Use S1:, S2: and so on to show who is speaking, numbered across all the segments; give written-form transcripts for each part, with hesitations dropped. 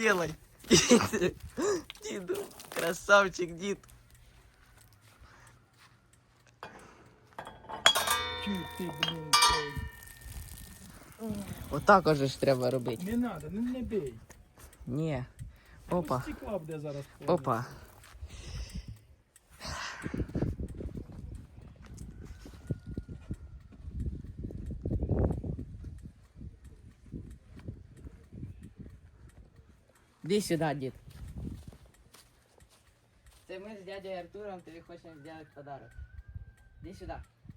S1: делай. Діду, красавчик, дід.
S2: Чу ти, блін,
S1: Отак уже ж треба робити.
S2: не треба, не бей.
S1: Ні. Опа.
S2: Стекла буде зараз повністю.
S1: Опа. Іди сюди, дід. Це ми з дядей Артуром тобі хочемо зробити подарок. Іди сюди.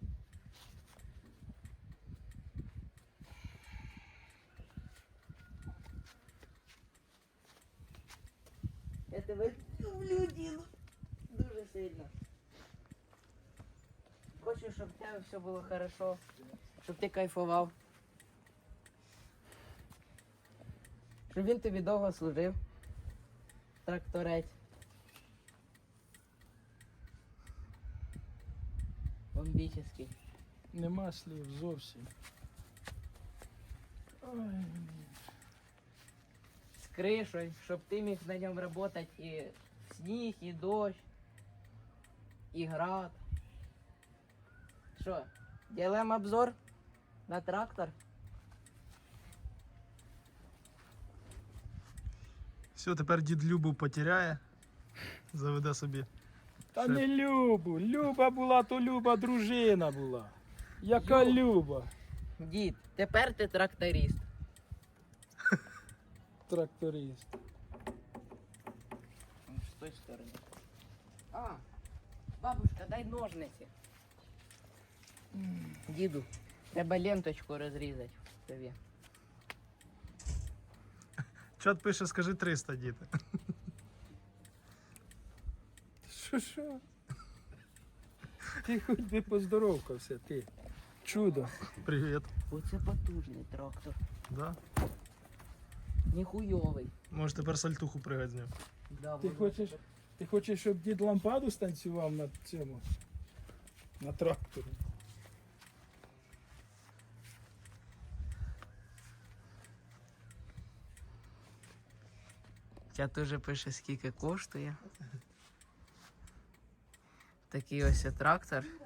S1: Я тебе люблю, діду. Дуже сильно. Хочу, щоб в тебе все було хорошо, щоб ти кайфував. Щоб він тобі довго служив. Тракторець. Бомбічний.
S2: Нема слів зовсім. Ой.
S1: З кришою, щоб ти міг на ньому працювати і сніг, і дощ, і град. Що, робимо обзор на трактор?
S3: Все, тепер дід Любу потеряє. Заведе собі.
S2: Та
S3: Шеф.
S2: не Любу. Люба була, то Люба дружина була. Яка Люба?
S1: Дід, тепер ти тракторист.
S2: Тракторист.
S1: З тої сторони. А, бабушка, дай ножниці. Діду, треба ленточку розрізати тобі.
S3: Чат пише, скажи 300, дід.
S2: Що? Ти хоч би поздоровкався, ти. Чудо.
S3: Привіт.
S1: Оце потужний трактор.
S3: Да?
S1: Ніхуйовий.
S3: Може тепер сальтуху пригать з ним.
S1: Да,
S2: Ти хочеш, щоб дід лампаду станцював на цьому? На тракторі?
S1: Чат теж пише, скільки коштує. Такий ось трактор.